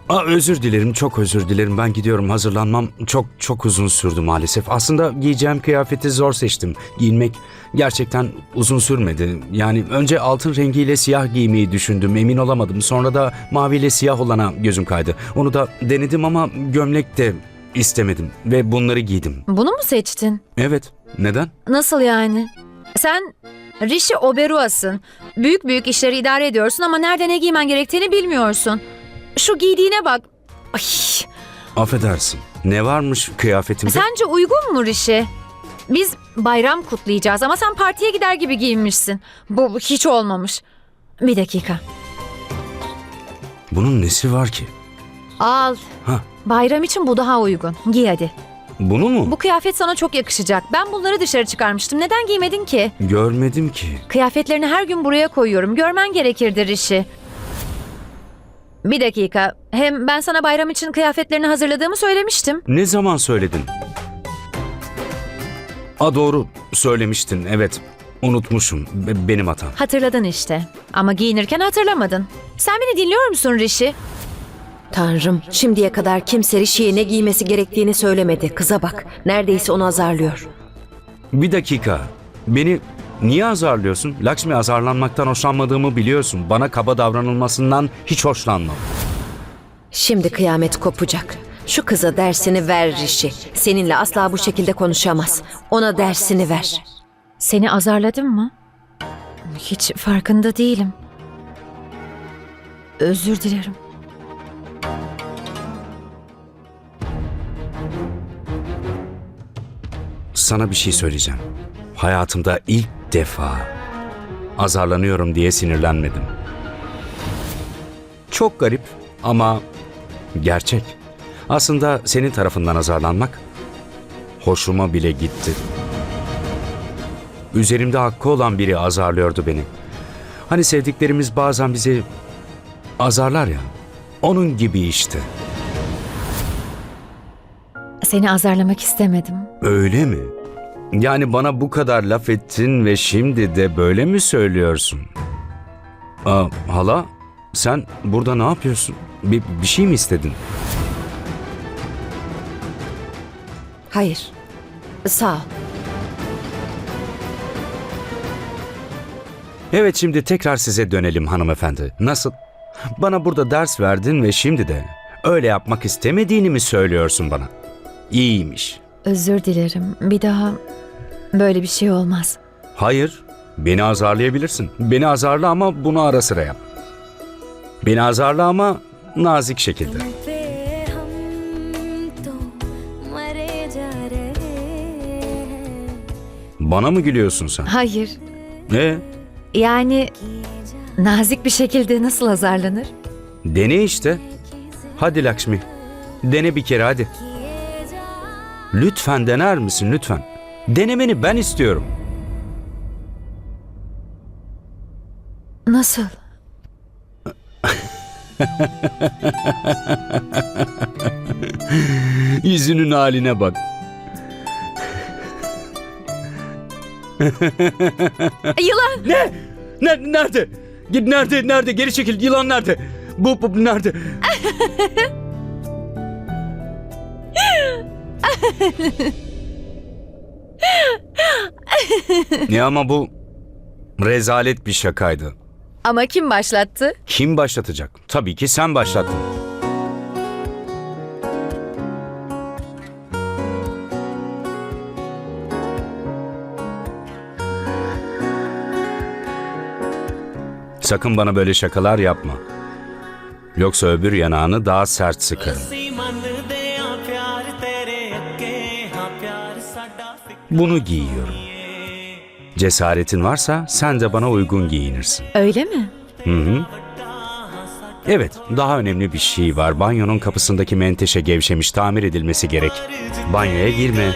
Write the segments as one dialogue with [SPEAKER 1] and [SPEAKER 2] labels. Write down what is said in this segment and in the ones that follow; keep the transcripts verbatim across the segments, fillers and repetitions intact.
[SPEAKER 1] Aa, özür dilerim, çok özür dilerim. Ben gidiyorum. Hazırlanmam çok çok uzun sürdü maalesef. Aslında giyeceğim kıyafeti zor seçtim. Giyinmek gerçekten uzun sürmedi. Yani önce altın rengiyle siyah giymeyi düşündüm. Emin olamadım. Sonra da maviyle siyah olana gözüm kaydı. Onu da denedim ama gömlek de istemedim. Ve bunları giydim.
[SPEAKER 2] Bunu mu seçtin?
[SPEAKER 1] Evet. Neden?
[SPEAKER 2] Nasıl yani? Sen Rishi Oberoi'sın. Büyük büyük işleri idare ediyorsun ama nerede ne giymen gerektiğini bilmiyorsun. Şu giydiğine bak. Ay,
[SPEAKER 1] Affedersin. Ne varmış kıyafetimde?
[SPEAKER 2] sence uygun mu Rishi? Biz bayram kutlayacağız ama sen partiye gider gibi giyinmişsin. Bu bu hiç olmamış. Bir dakika.
[SPEAKER 1] Bunun nesi var ki?
[SPEAKER 2] Al.
[SPEAKER 1] Ha,
[SPEAKER 2] Bayram için bu daha uygun. Giy hadi.
[SPEAKER 1] bunu mu?
[SPEAKER 2] Bu kıyafet sana çok yakışacak. Ben bunları dışarı çıkarmıştım. Neden giymedin ki?
[SPEAKER 1] Görmedim ki.
[SPEAKER 2] Kıyafetlerini her gün buraya koyuyorum. Görmen gerekirdi Rishi. Bir dakika. Hem ben sana bayram için kıyafetlerini hazırladığımı söylemiştim.
[SPEAKER 1] Ne zaman söyledin? A doğru söylemiştin, evet. Unutmuşum. Be- benim hatam.
[SPEAKER 2] Hatırladın işte. Ama giyinirken hatırlamadın. Sen beni dinliyor musun Rishi?
[SPEAKER 3] Tanrım, şimdiye kadar kimse Rishi'ye ne giymesi gerektiğini söylemedi. Kıza bak, neredeyse onu azarlıyor.
[SPEAKER 1] Bir dakika. Beni niye azarlıyorsun? Lakshmi, azarlanmaktan hoşlanmadığımı biliyorsun. Bana kaba davranılmasından hiç hoşlanmam.
[SPEAKER 3] Şimdi kıyamet kopacak. Şu kıza dersini ver Rishi. Seninle asla bu şekilde konuşamaz. Ona dersini ver.
[SPEAKER 2] Seni azarladım mı? Hiç farkında değilim. Özür dilerim.
[SPEAKER 1] Sana bir şey söyleyeceğim. Hayatımda ilk defa azarlanıyorum diye sinirlenmedim. Çok garip ama gerçek. Aslında senin tarafından azarlanmak hoşuma bile gitti. Üzerimde hakkı olan biri azarlıyordu beni. Hani sevdiklerimiz bazen bizi azarlar ya. Onun gibi işte.
[SPEAKER 2] Seni azarlamak istemedim.
[SPEAKER 1] Öyle mi? Yani bana bu kadar laf ettin ve şimdi de böyle mi söylüyorsun? Aa, hala, sen burada ne yapıyorsun? Bir, bir şey mi istedin?
[SPEAKER 3] Hayır, sağ ol.
[SPEAKER 1] Evet, şimdi tekrar size dönelim hanımefendi. Nasıl? Bana burada ders verdin ve şimdi de öyle yapmak istemediğini mi söylüyorsun bana? İyiymiş.
[SPEAKER 2] Özür dilerim. Bir daha böyle bir şey olmaz.
[SPEAKER 1] Hayır, beni azarlayabilirsin. Beni azarla ama bunu ara sıra yap. Beni azarla ama nazik şekilde. Bana mı gülüyorsun sen?
[SPEAKER 2] Hayır.
[SPEAKER 1] Ne?
[SPEAKER 2] Yani nazik bir şekilde nasıl azarlanır?
[SPEAKER 1] Dene işte. Hadi Lakshmi. Dene bir kere hadi. Lütfen dener misin lütfen? Denemeni ben istiyorum.
[SPEAKER 2] Nasıl?
[SPEAKER 1] Yüzünün haline bak.
[SPEAKER 2] Yılan!
[SPEAKER 1] Ne? Ne? Nerede? Git nerede? Nerede? Geri çekil. Yılan nerede? Bu, bu nerede? Ya ama bu rezalet bir şakaydı.
[SPEAKER 2] Ama kim başlattı?
[SPEAKER 1] Kim başlatacak? Tabii ki sen başlattın. Sakın bana böyle şakalar yapma. Yoksa öbür yanağını daha sert sıkarım. Bunu giyiyorum. Cesaretin varsa sen de bana uygun giyinirsin.
[SPEAKER 2] Öyle mi?
[SPEAKER 1] Hı hı. Evet, daha önemli bir şey var. Banyonun kapısındaki menteşe gevşemiş, tamir edilmesi gerek. Banyoya girme.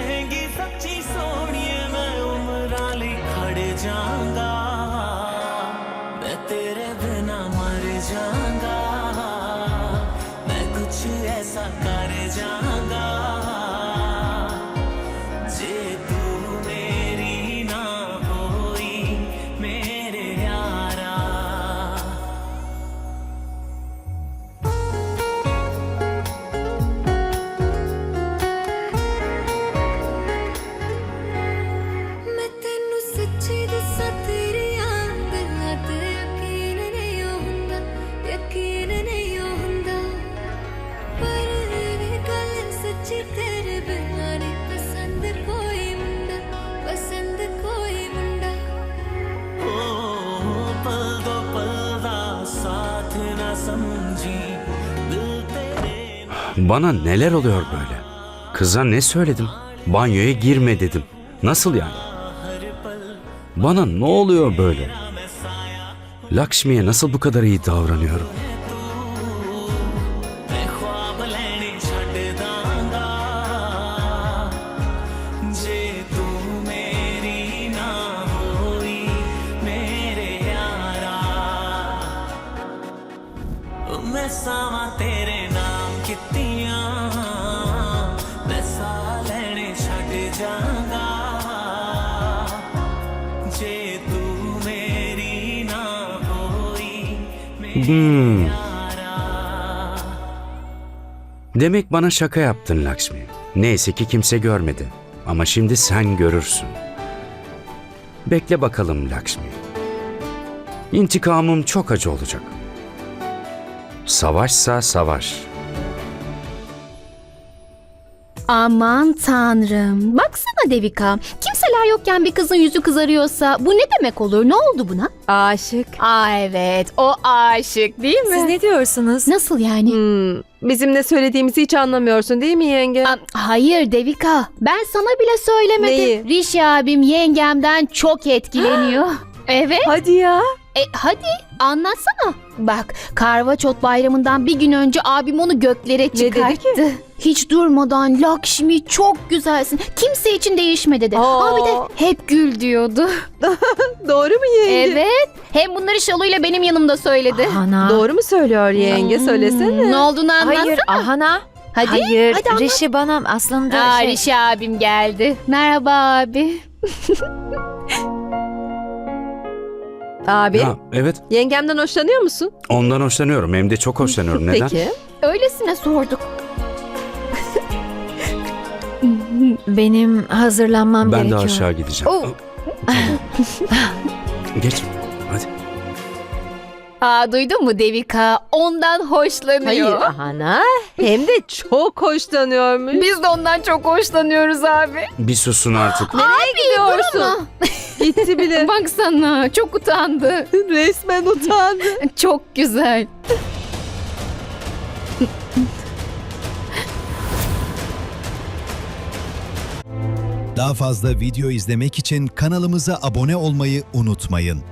[SPEAKER 1] Bana neler oluyor böyle? Kıza ne söyledim? Banyoya girme dedim. Nasıl yani? Bana ne oluyor böyle? Lakshmi'ye nasıl bu kadar iyi davranıyorum? Hmm. Demek bana şaka yaptın Lakshmi. Neyse ki kimse görmedi. Ama şimdi sen görürsün. Bekle bakalım Lakshmi. İntikamım çok acı olacak. Savaşsa savaş.
[SPEAKER 4] Aman tanrım. Baksana Devika. Kimseler yokken bir kızın yüzü kızarıyorsa bu ne demek olur? Ne oldu buna?
[SPEAKER 5] Aşık.
[SPEAKER 4] Aa evet, o aşık değil mi?
[SPEAKER 2] Siz ne diyorsunuz?
[SPEAKER 4] Nasıl yani?
[SPEAKER 5] Hmm, bizim ne söylediğimizi hiç anlamıyorsun değil mi yenge?
[SPEAKER 4] Aa, hayır Devika. Ben sana bile söylemedim.
[SPEAKER 5] Neyi?
[SPEAKER 4] Rishi abim yengemden çok etkileniyor. Evet.
[SPEAKER 5] Hadi ya.
[SPEAKER 4] E, hadi anlatsana. Bak Karvaçot bayramından bir gün önce abim onu göklere
[SPEAKER 5] dedi
[SPEAKER 4] çıkarttı.
[SPEAKER 5] ki?
[SPEAKER 4] Hiç durmadan Lakshmi çok güzelsin. Kimse için değişme dedi.
[SPEAKER 5] Aa.
[SPEAKER 4] Aa, bir de hep gül diyordu.
[SPEAKER 5] Doğru mu yenge?
[SPEAKER 4] Evet. Hem bunları Şalu'yla benim yanımda söyledi.
[SPEAKER 2] Ahana.
[SPEAKER 5] Doğru mu söylüyor yenge? Söylesene.
[SPEAKER 4] Ne olduğunu anlatsana.
[SPEAKER 2] Hayır Ahana.
[SPEAKER 4] Hadi.
[SPEAKER 2] Hayır
[SPEAKER 4] hadi anlat.
[SPEAKER 2] Rishi bana aslında
[SPEAKER 4] Aa,
[SPEAKER 2] şey...
[SPEAKER 4] Rishi abim geldi. Merhaba abi.
[SPEAKER 5] Abi,
[SPEAKER 1] Ha, evet,
[SPEAKER 5] yengemden hoşlanıyor musun?
[SPEAKER 1] ondan hoşlanıyorum. Hem de çok hoşlanıyorum. Neden?
[SPEAKER 5] Peki.
[SPEAKER 4] Öylesine sorduk.
[SPEAKER 2] Benim hazırlanmam
[SPEAKER 1] Ben de
[SPEAKER 2] gerekiyor.
[SPEAKER 1] aşağı gideceğim.
[SPEAKER 2] Oh.
[SPEAKER 1] Geç. Hadi.
[SPEAKER 4] Aa, duydun mu Devika? Ondan hoşlanıyor.
[SPEAKER 5] Hayır Ahana. Hem de çok hoşlanıyormuş.
[SPEAKER 4] Biz de ondan çok hoşlanıyoruz abi.
[SPEAKER 1] Bir susun artık.
[SPEAKER 5] Nereye gidiyorsun? Gitti bile.
[SPEAKER 4] Baksana çok utandı.
[SPEAKER 5] Resmen utandı.
[SPEAKER 4] Çok güzel.
[SPEAKER 6] Daha fazla video izlemek için kanalımıza abone olmayı unutmayın.